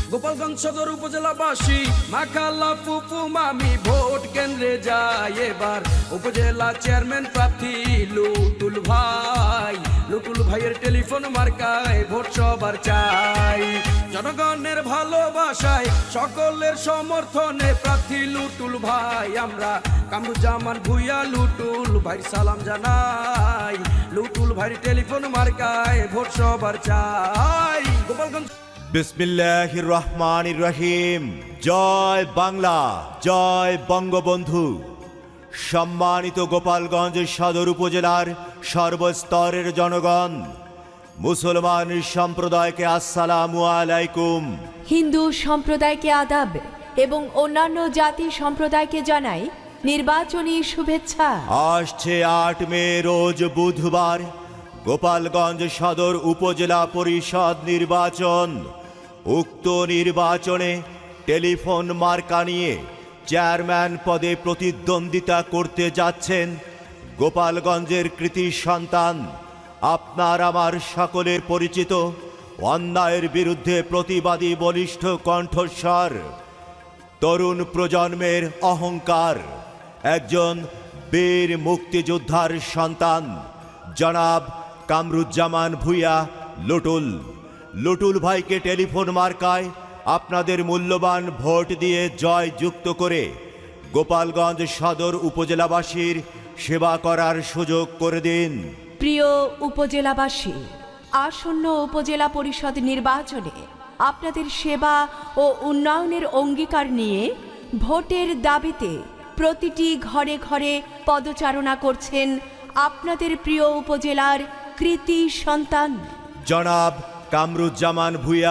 গোপালগঞ্জ সদর উপজেলাবাসী মাখাল্লা ফুপু মামি ভোট কেন্দ্রে যায় এবার উপজেলা চেয়ারম্যান প্রার্থী লুটুল ভাইয়ের টেলিফোন মার্কায় ভোট সবার চাই। জনগণের ভালোবাসায় সকলের সমর্থনে প্রার্থী লুটুল ভাই, আমরা কামরুজ্জামান ভূঁইয়া লুটুল ভাই সালাম জানাই। লুটুল ভাইয়ের টেলিফোন মার্কায় ভোট সবার চাই। গোপালগঞ্জ বিসমিল্লাহির রহমানির রহিম। জয় বাংলা, জয় বঙ্গবন্ধু। সম্মানিত গোপালগঞ্জ সদর উপজেলার সর্বস্তরের জনগণ, মুসলমান সম্প্রদায়কে আসসালামু আলাইকুম, হিন্দু সম্প্রদায়কে আদাব এবং অন্যান্য জাতি সম্প্রদায়কে জানাই নির্বাচনী শুভেচ্ছা। আসছে 8 মে রোজ বুধবার গোপালগঞ্জ সদর উপজেলা পরিষদ নির্বাচন। উক্ত নির্বাচনে টেলিফোন মার্কা নিয়ে চেয়ারম্যান পদে প্রতিদ্বন্দ্বিতা করতে যাচ্ছেন গোপালগঞ্জের কৃতি সন্তান, আপনার আমার সকলের পরিচিত, অন্যায়ের বিরুদ্ধে প্রতিবাদী বলিষ্ঠ কণ্ঠস্বর, তরুণ প্রজন্মের অহংকার, একজন বীর মুক্তিযোদ্ধার সন্তান জনাব কামরুজ্জামান ভূঁইয়া লুটুল ভাইকে টেলিফোন মার্কায় আপনাদের মূল্যবান ভোট দিয়ে জয় যুক্ত করে গোপালগঞ্জ সদর উপজেলাবাসীর সেবা করার সুযোগ করে দিন। প্রিয় উপজেলাবাসী, আসন্ন উপজেলা পরিষদ নির্বাচনে আপনাদের সেবা ও উন্নয়নের অঙ্গীকার নিয়ে ভোটের দাবিতে প্রতিটি ঘরে ঘরে পদচারণা করছেন আপনাদের প্রিয় উপজেলার কৃতি সন্তান জনাব কামরুজ্জামান ভূঁইয়া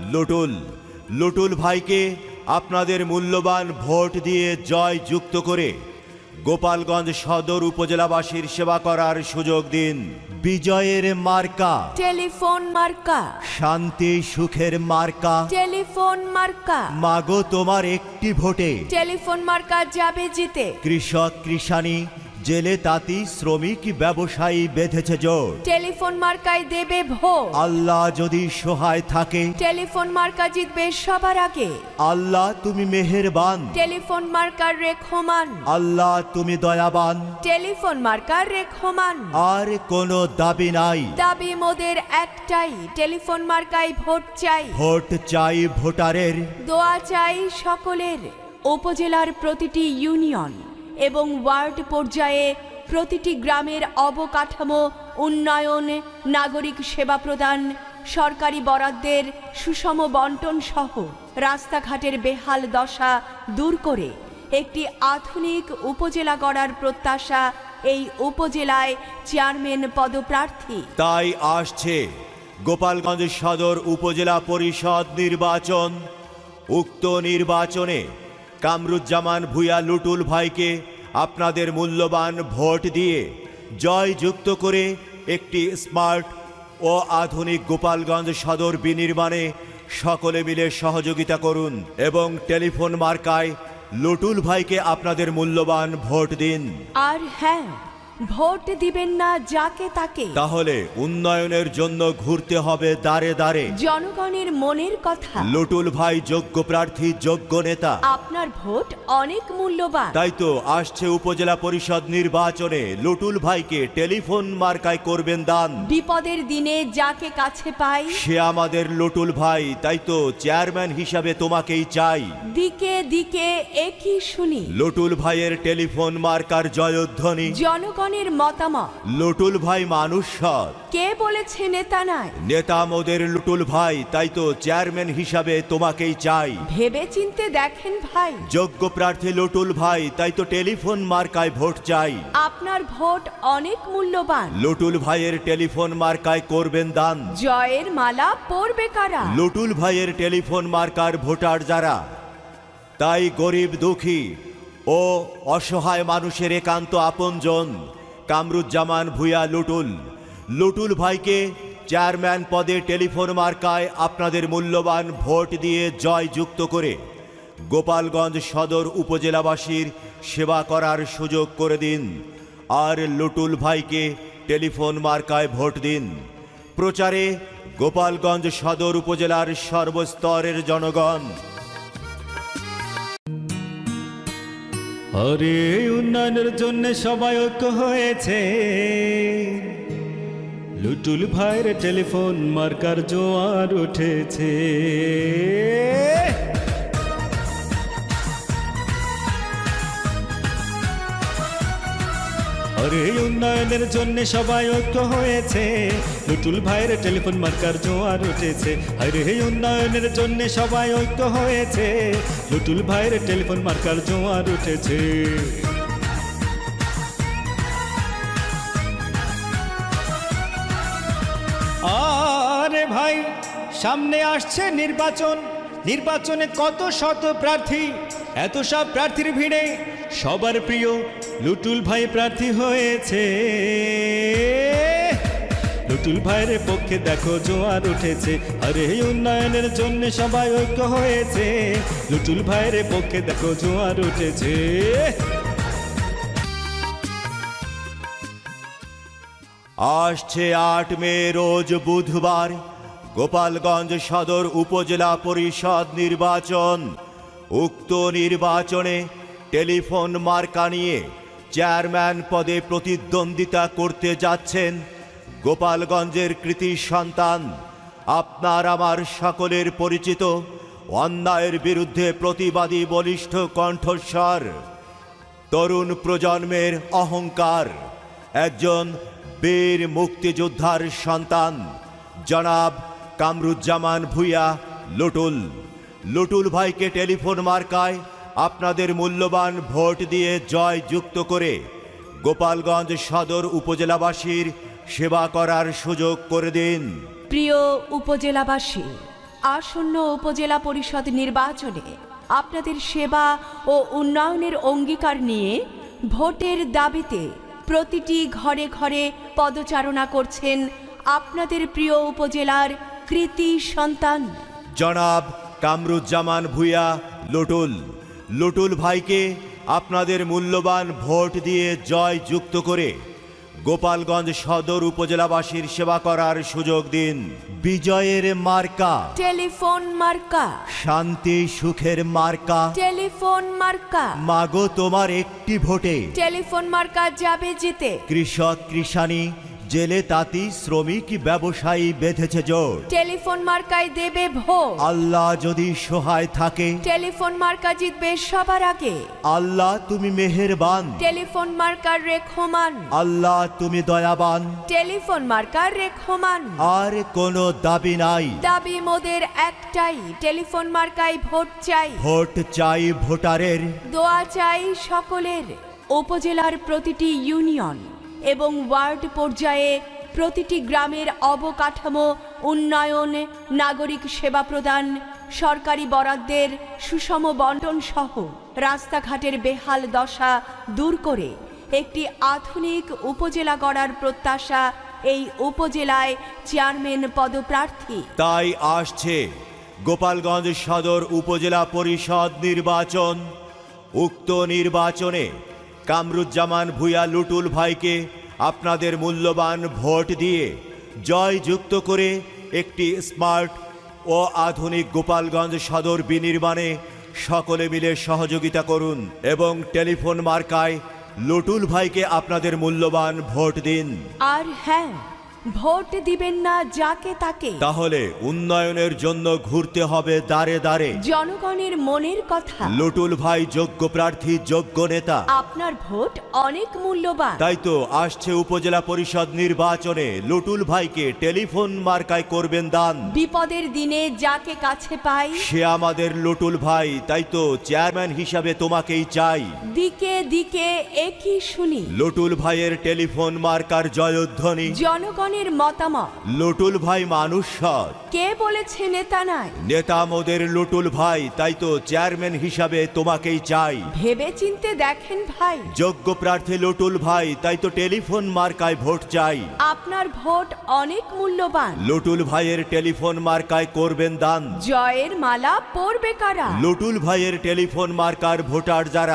লুটুল ভাইকে আপনাদের মূল্যবান ভোট দিয়ে জয় যুক্ত করে গোপালগঞ্জ সদর উপজেলাবাসীর সেবা করার সুযোগ দিন। বিজয়ের মার্কা টেলিফোন মার্কা, শান্তি সুখের মার্কা টেলিফোন মার্কা, মাগো তোমার একটি ভোটে টেলিফোন মার্কা যাবে জিতে। কৃষক কৃষানি, জেলে তাঁতি, শ্রমিক ব্যবসায়ী বেঁধেছে জোট, টেলিফোন মার্কায় দেবে ভোট। আল্লাহ যদি সহায় থাকে টেলিফোন মার্কা জিতবে সবার আগে। আল্লাহ তুমি মেহেরবান, টেলিফোন মার্কার রেখমান। আল্লাহ তুমি দয়াবান, টেলিফোন মার্কার রেখমান। আর কোনো দাবি নাই, দাবি মোদের একটাই, টেলিফোন মার্কায় ভোট চাই। ভোট চাই ভোটারের, দোয়া চাই সকলের। উপজেলার প্রতিটি ইউনিয়ন এবং ওয়ার্ড পর্যায়ে প্রতিটি গ্রামের অবকাঠামো উন্নয়ন, নাগরিক সেবা প্রদান, সরকারি বরাদ্দের সুষম বন্টন সহ রাস্তাঘাটের বেহাল দশা দূর করে একটি আধুনিক উপজেলা গড়ার প্রত্যাশা এই উপজেলায় চেয়ারম্যান পদপ্রার্থী। তাই আসছে গোপালগঞ্জ সদর উপজেলা পরিষদ নির্বাচন। উক্ত নির্বাচনে কামরুজ্জামান ভূঁইয়া লুটুল ভাইকে আপনাদের মূল্যবান ভোট দিয়ে জয় যুক্ত করে একটি স্মার্ট ও আধুনিক গোপালগঞ্জ সদর বিনির্মাণে সকলে মিলে সহযোগিতা করুন এবং টেলিফোন মার্কায় লুটুল ভাইকে আপনাদের মূল্যবান ভোট দিন। আর হ্যাঁ, ভোট দিবেন না যাকে তাকে, তাহলে উন্নয়নের জন্য ঘুরতে হবে দাঁড়ে দাঁড়ে। জনগণের মনের কথা। লুটুল ভাই যোগ্য প্রার্থী, যোগ্য নেতা, আপনার ভোট অনেক মূল্যবান। তাই তো আসছে উপজেলা পরিষদ নির্বাচনে লুটুল ভাইকে টেলিফোন মার্কায় করবেন দান। বিপদের দিনে যাকে কাছে পাই সে আমাদের লুটুল ভাই, তাই তো চেয়ারম্যান হিসাবে তোমাকেই চাই। দিকে দিকে একই শুনি লুটুল ভাইয়ের টেলিফোন মার্কার জয়ধ্বনি। জনগণের মতামত। লুটুল ভাই মানুষ সৎ, কে বলেছে নেতা নাই? নেতা মোদের লুটুল ভাই, তাই তো চেয়ারম্যান হিসাবে তোমাকেই চাই। ভেবে চিনতে দেখেন ভাই, যোগ্য প্রার্থী লুটুল ভাই, তাই তো টেলিফোন মার্কায় ভোট চাই। আপনার ভোট অনেক মূল্যবান। লুটুল ভাইয়ের টেলিফোন মার্কায় করবেন দান। জয়ের মালা পরবে কারা? লুটুল ভাইয়ের টেলিফোন মার্কার ভোটার যারা, তাই গরিব দুঃখী ও অসহায় মানুষের একান্ত আপনজন কামরুজ্জামান ভূঁইয়া লুটুল ভাইকে চেয়ারম্যান পদে টেলিফোন মার্কায় আপনাদের মূল্যবান ভোট দিয়ে জয় যুক্ত করে গোপালগঞ্জ সদর উপজেলাবাসীর সেবা করার সুযোগ করে দিন। আর লুটুল ভাইকে টেলিফোন মার্কায় ভোট দিন। প্রচারে গোপালগঞ্জ সদর উপজেলার সর্বস্তরের জনগণ। আরে উন্নয়নের জন্য সবাই ঐক্য হয়েছে, লুটুল ভাইয়ের টেলিফোন মার্কার জোয়ার উঠেছে। আরে উন্নয়নের জন্য সবাই ঐক্য হয়েছে, লুটুল ভাইয়ের টেলিফোন মার্কার জোয়ার উঠেছে। আরে উন্নয়নের জন্য সবাই ঐক্য হয়েছে, লুটুল ভাইয়ের টেলিফোন মার্কার জোয়ার উঠেছে। আরে ভাই, সামনে আসছে নির্বাচন, নির্বাচনে কত শত প্রার্থী, এত সব প্রার্থীর ভিড়ে সবার প্রিয় লুটুল ভাই প্রার্থী হয়েছে। লুটুল ভাইয়ের পক্ষে দেখো জোয়ার উঠেছে। আরে উন্নয়নের জন্য সবাই ঐক্য হয়েছে, লুটুল ভাইয়ের পক্ষে দেখো জোয়ার উঠেছে। আসছে 8 মে রোজ বুধবার গোপালগঞ্জ সদর উপজেলা পরিষদ নির্বাচন। উক্ত নির্বাচনে টেলিফোন মার্কা নিয়ে চেয়ারম্যান পদে প্রতিদ্বন্দ্বিতা করতে যাচ্ছেন গোপালগঞ্জের কৃতি সন্তান, আপনার আমার সকলের পরিচিত অন্যায়ের বিরুদ্ধে প্রতিবাদী বলিষ্ঠ কণ্ঠস্বর, তরুণ প্রজন্মের অহংকার, একজন বীর মুক্তিযোদ্ধার সন্তান জনাব কামরুজ্জামান ভূঁইয়া লুটুল। লুটুল ভাইকে টেলিফোন মার্কায় আপনাদের মূল্যবান ভোট দিয়ে জয় যুক্ত করে গোপালগঞ্জ সদর উপজেলাবাসীর সেবা করার সুযোগ করে দিন। প্রিয় উপজেলাবাসী, আসন্ন উপজেলা পরিষদ নির্বাচনে আপনাদের সেবা ও উন্নয়নের অঙ্গীকার নিয়ে ভোটের দাবিতে প্রতিটি ঘরে ঘরে পদচারণা করছেন আপনাদের প্রিয় উপজেলার কৃতি সন্তান জনাব কামরুজ্জামান ভূঁইয়া লুটুল। লুটুল ভাইকে আপনাদের মূল্যবান ভোট দিয়ে জয় যুক্ত করে গোপালগঞ্জ সদর উপজেলাবাসীর সেবা করার সুযোগ দিন। বিজয়ের মার্কা টেলিফোন মার্কা, শান্তি সুখের মার্কা, টেলিফোন মার্কা, মাগো তোমার একটি ভোটে টেলিফোন মার্কা যাবে জিতে। কৃষক কৃষানি জেলে তাঁতি শ্রমিক ব্যবসায়ী বেঁধেছে জোট। টেলিফোন মার্কায় দেবে ভোট। আল্লাহ যদি সহায় থাকে টেলিফোন মার্কা জিতবে সবার আগে। আল্লাহ তুমি মেহেরবান, টেলিফোন মার্কার রেখমান। আল্লাহ তুমি দয়াবান, টেলিফোন মার্কার রেখমান। আর কোনো দাবি নাই, দাবি মোদের একটাই, টেলিফোন মার্কায় ভোট চাই। ভোট চাই ভোটারের, দোয়া চাই সকলের। উপজেলার প্রতিটি ইউনিয়ন এবং ওয়ার্ড পর্যায়ে প্রতিটি গ্রামের অবকাঠামো উন্নয়ন, নাগরিক সেবা প্রদান, সরকারি বরাদ্দের সুষম বন্টন সহ রাস্তাঘাটের বেহাল দশা দূর করে একটি আধুনিক উপজেলা গড়ার প্রত্যাশা এই উপজেলায় চেয়ারম্যান পদপ্রার্থী। তাই আসছে গোপালগঞ্জ সদর উপজেলা পরিষদ নির্বাচন। উক্ত নির্বাচনে কামরুজ্জামান ভূঁইয়া লুটুল ভাইকে আপনাদের মূল্যবান ভোট দিয়ে জয় যুক্ত করে একটি স্মার্ট ও আধুনিক গোপালগঞ্জ সদর বিনির্মাণে সকলে মিলে সহযোগিতা করুন এবং টেলিফোন মার্কায় লুটুল ভাইকে আপনাদের মূল্যবান ভোট দিন। আর হ্যাঁ, ভোট দিবেন না যাকে তাকে, তাহলে উন্নয়নের জন্য ঘুরতে হবে দাঁড়ে দাঁড়ে। জনগণের মনের কথা। লুটুল ভাই যোগ্য প্রার্থী, যোগ্য নেতা, আপনার ভোট অনেক মূল্যবান। তাই তো আসছে উপজেলা পরিষদ নির্বাচনে লুটুল ভাইকে টেলিফোন মার্কায় করবেন দান। বিপদের দিনে যাকে কাছে পাই সে আমাদের লুটুল ভাই, তাই তো চেয়ারম্যান হিসাবে তোমাকেই চাই। দিকে দিকে একই শুনি লুটুল ভাইয়ের টেলিফোন মার্কার জয়ধ্বনি। জনগণের মতামত। লুটুল ভাই মানুষ সৎ, কে বলেছে নেতা নাই? নেতা মোদের লুটুল ভাই, তাই তো চেয়ারম্যান হিসাবে তোমাকেই চাই। ভেবে চিনতে দেখেন ভাই, যোগ্য প্রার্থী লুটুল ভাই, তাই তো টেলিফোন মার্কায় ভোট চাই। আপনার ভোট অনেক মূল্যবান। লুটুল ভাইয়ের টেলিফোন মার্কায় করবেন দান। জয়ের মালা পরবে কারা? লুটুল ভাইয়ের টেলিফোন মার্কার ভোটার যারা,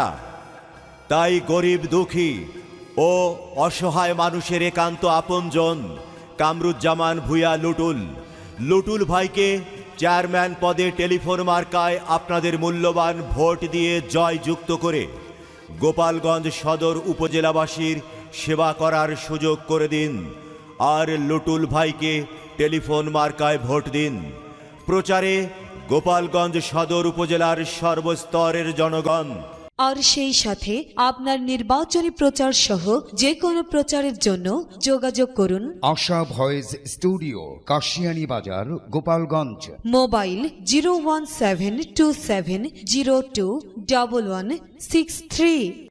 তাই গরিব দুঃখী ও অসহায় মানুষের একান্ত আপনজন কামরুজ্জামান ভূঁইয়া লুটুল লুটুল ভাইকে চেয়ারম্যান পদে টেলিফোন মার্কায় আপনাদের মূল্যবান ভোট দিয়ে জয়যুক্ত করে গোপালগঞ্জ সদর উপজেলাবাসীর সেবা করার সুযোগ করে দিন। আর লুটুল ভাইকে টেলিফোন মার্কায় ভোট দিন। প্রচারে গোপালগঞ্জ সদর উপজেলার সর্বস্তরের জনগণ। আর সেই সাথে আপনার নির্বাচনী প্রচার সহ যে কোনো প্রচারের জন্য যোগাযোগ করুন আশা ভয়েস স্টুডিও, কাশিয়ানী বাজার, গোপালগঞ্জ। মোবাইল 01727021163।